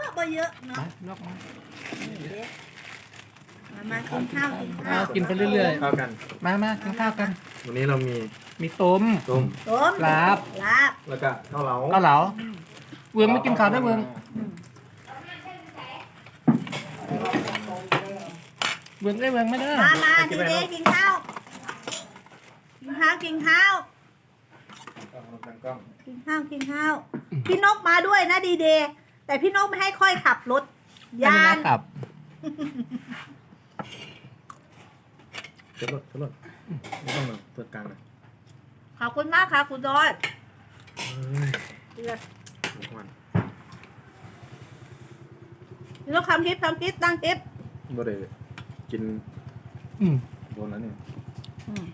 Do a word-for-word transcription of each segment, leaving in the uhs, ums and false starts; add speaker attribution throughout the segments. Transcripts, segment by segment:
Speaker 1: ก็เยอะเนาะ
Speaker 2: นอกมา
Speaker 1: มามากินข้าวกินข้า
Speaker 2: เอา
Speaker 1: ว
Speaker 2: กินไปเรื่อย
Speaker 3: เข้ากัน
Speaker 2: ๆ มามากินข้าวกัน
Speaker 3: วันนี้เรามี
Speaker 2: มีต้ม
Speaker 3: ต้ม
Speaker 1: ต้ม
Speaker 2: ลาบ
Speaker 1: ลาบ
Speaker 3: แล้วก็ข้าวเหลา
Speaker 2: เกาเหลาเวืองไม่กินข้าวได้เวืองเวืองได้เวืองไม่ได้
Speaker 1: มามาดีเดกินข้าวกินข้าวกินข้าว
Speaker 3: ตั้งกล้อง
Speaker 1: กินข้าวกินข้าวพี่นกมาด้วยนะดีเดย์แต่พี่นกไม่ให้ค่อยขับรถ
Speaker 2: ยาย
Speaker 1: าน
Speaker 2: ขับ
Speaker 3: เช็ดรถเช็ดรถไม่ต้องมาเปิดกลางนะ
Speaker 1: ขอบคุณมากค่ะคุณดอย
Speaker 3: เอ้ย
Speaker 1: พี่
Speaker 3: ทุกวัน
Speaker 1: นกทำคลิปทำคลิปตั้งคลิป
Speaker 3: บ่ได้กิน
Speaker 2: อืม
Speaker 3: โดนแล้วเนี่ย
Speaker 1: อืม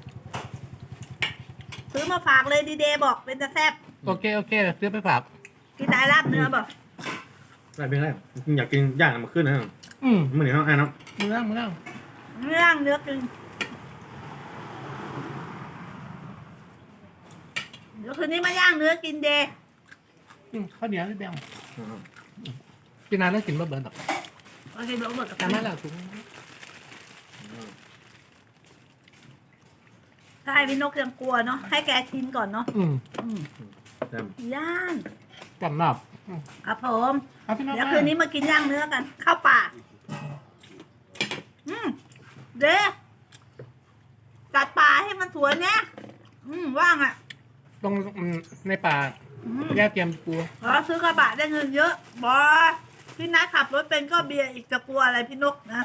Speaker 1: ซื้อมาฝากเลยดีเดย์บอกเป็นจะแซ่บ
Speaker 2: โอเคโอเคซื้อไปฝาก
Speaker 1: กินได้ลาบเนื้อบอก
Speaker 3: ได้เป็นไรอยากกินย่างมาขึ้นนะ
Speaker 2: อืม
Speaker 3: มันเหนียวไอ้เนาะ
Speaker 2: มือนั่งมือนั่ง
Speaker 1: เนื้อย่างเนื้อกินเดี๋ยวคืนนี้มาย่างเนื้อกินเดย์
Speaker 2: อืมข้าวเหนียวนี่แบง
Speaker 3: อ่า
Speaker 2: กินนานแล้วกินบ่เบิร์นหรอก
Speaker 1: โอเคเดี๋ยวหมด
Speaker 2: จำได้แล้วถุง
Speaker 3: อ่า
Speaker 1: ใช่พี่นกยังกลัวเนาะให้แกชินก่อนเนาะ
Speaker 2: อืม
Speaker 1: อืม
Speaker 3: แซ่บ
Speaker 1: ย่าง
Speaker 2: จำนับอืม
Speaker 1: ครับผม
Speaker 2: เอาพี่น้อง
Speaker 1: เดี๋ยวคืนนี้มากินย่างเนื้อกันเข้าป่าอืมเด้จัดป่าให้มันสวยเนี่ยอืมว่างอ่ะ
Speaker 2: ตรงอืมในป่า
Speaker 1: อืม
Speaker 2: แย่เตรียมปู
Speaker 1: ขอซื้อกระบะได้เงินเยอะบอพี่นัทขับรถเป็นก็เบียร์อีกจะกลัวอะไรพี่นกนะ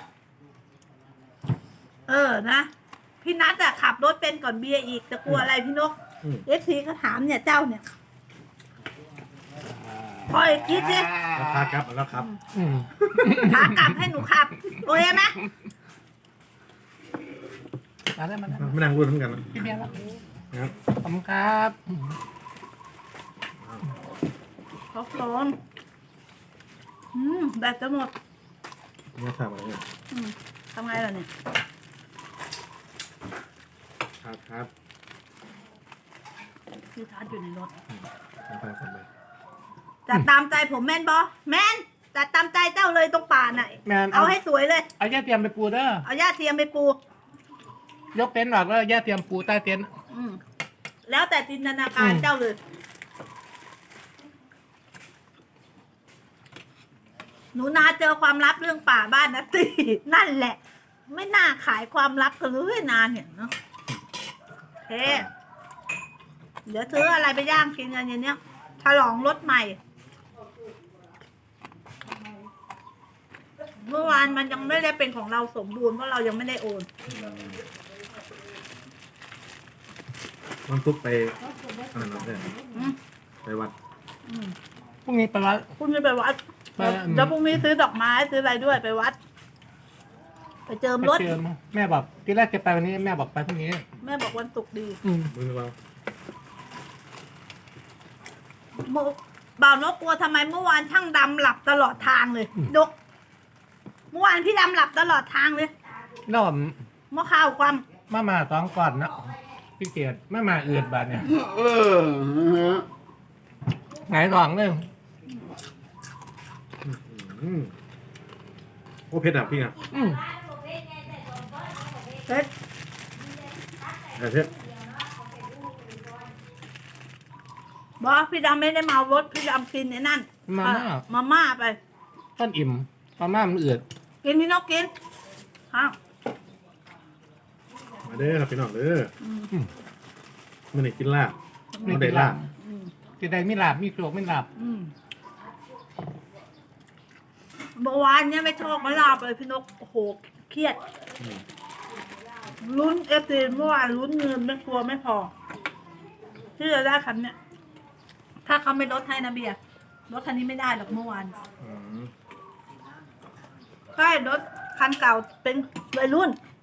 Speaker 1: เออนะ พี่นัทอะขับรถเป็นก่อนเบียร์อีกจะกลัวอะไรพี่นก
Speaker 3: อืม
Speaker 1: เอฟซีก็ถามเนี่ยเจ้าเนี่ยคอยคิดสิ
Speaker 3: ราคาครับแล้วครับ
Speaker 2: อืม
Speaker 1: ขากลับให้หนูขับ โอเคไหม
Speaker 2: มาได้มาได้
Speaker 3: ไม่นั่งรุ่นเหมือนกันนะ
Speaker 2: พี่เบียร์แล้ว
Speaker 3: นะครับ
Speaker 2: ขอบคุณครับอืม
Speaker 1: ขอบคุณอืมแบตจะหมด
Speaker 3: เนี่ยทำอะไรเนี่ย
Speaker 1: อืมทำไงล่ะเนี่ย
Speaker 3: ครับครับ
Speaker 1: พี่ทัดอยู่ในรถ
Speaker 3: เอาไปคนไป
Speaker 1: จัดตามใจผมแม่นบอแม่นจัดตามใจเจ้าเลยตรงป่าน่ะ
Speaker 2: แมน
Speaker 1: เอาให้สวยเลย
Speaker 2: เอาแย่เตรียมไปปูเด้อ
Speaker 1: เอาหญ้าเทียมไปปู
Speaker 2: ยกเต็นท์ออกแล้วแย่เตรียมปูใต้เต็นท์
Speaker 1: อืมแล้วแต่จินตนาการ
Speaker 2: อืม
Speaker 1: เจ้าเลย หนูนาเจอความลับเรื่องป่าบ้านนะตี นั่นแหละ ไม่น่าขายความลับกันเลยนานเนี่ยเนาะเฮ้เดี๋ยวซื้ออะไรไปย่างกินกันอย่างเนี้ยฉลองรถใหม่ เมื่อวานมันยังไม่ได้เป็นของเราสมบูรณ์เพราะเรายังไม่ได้โอน
Speaker 3: มันทุกไปอ่านเอาเนี่ย
Speaker 1: อืม
Speaker 3: ไปวัด
Speaker 1: อืม
Speaker 2: พรุ่งนี้ไปวัด
Speaker 1: พรุ่งนี้ไปวัด
Speaker 2: ไปอืม
Speaker 1: แล้วพรุ่งนี้ซื้อดอกไม้ซื้ออะไรด้วยไปวัด ไปเจิม
Speaker 2: ไป
Speaker 1: รถ
Speaker 2: เจอมาแม่บอกทีแรกจะไปวันนี้แม่บอกไปพรุ่งนี้
Speaker 1: แม่บอกวันศุกร์ดี
Speaker 2: อืม
Speaker 3: มือเรา
Speaker 1: เมื่อบ่าวนกกลัวทำไมเมื่อวานช่างดำหลับตลอดทางเลยนกเมื่อวานพี่ดำหลับตลอดทางเลย
Speaker 2: น้อม
Speaker 1: เมื่อข้าวความ
Speaker 2: มามาสองก่อนนะพี่เกียรติมามาเอือดบาดเนี่ย
Speaker 4: เออฮะ
Speaker 2: ไงายท้องเลย
Speaker 3: อืมโอ้เผ็ดอ่ะพี่อ่ะ
Speaker 2: อืม
Speaker 1: เฮ้ย
Speaker 3: แต่เผ็ด
Speaker 1: บอกพี่ดำไม่ได้เมารถพี่ดำกินไอ้นั่น
Speaker 2: มาม่า
Speaker 1: เอ่อมาม่าไป
Speaker 2: ต้นอิ่มมาม่ามันเอือด
Speaker 1: กินพี่นกกินข้าว
Speaker 3: มาเด้อครับพี่น้องเด้อ
Speaker 1: อืม
Speaker 2: อืม
Speaker 3: มันได้กินลาบมันได้ลาบ
Speaker 1: อืม
Speaker 2: ที่ใดไม่หลับมีโกรกไม่หลับ
Speaker 1: อืมเมื่อวานเนี่ยไม่ชอบไม่ลาบเลยพี่นกโอ้โหเครียด
Speaker 3: อืม
Speaker 1: ลุ้นเอฟซีเมื่อวานลุ้นเงินไม่กลัวไม่พอ ที่จะได้คันเนี่ย ถ้าเขาไม่ลดให้นะเบียร์รถคันนี้ไม่ได้หรอกเมื่อวาน
Speaker 3: อืม
Speaker 1: ใช่รถคันเก่าเป็นวัยรุ่น